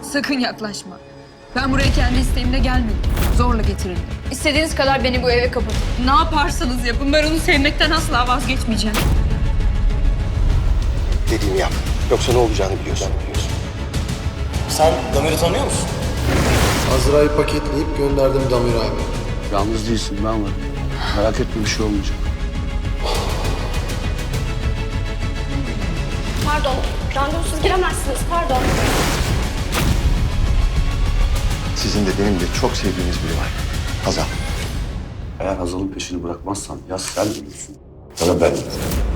Sakın yaklaşma. Ben buraya kendi isteğimle gelmedim. Zorla getirildim. İstediğiniz kadar beni bu eve kapatın. Ne yaparsanız yapın. Ben onu sevmekten asla vazgeçmeyeceğim. Dediğimi yap. Yoksa ne olacağını biliyorsun. Sen Damir'i tanıyor musun? Azra'yı paketleyip gönderdim Damir abi. Yalnız değilsin, ben varım. Merak etme, bir şey olmayacak. Pardon, randevusuz giremezsiniz, pardon. Sizin de benim de çok sevdiğiniz biri var. Hazal. Eğer Hazal'ın peşini bırakmazsan ya sen ölürsün ya da ben ölürüm.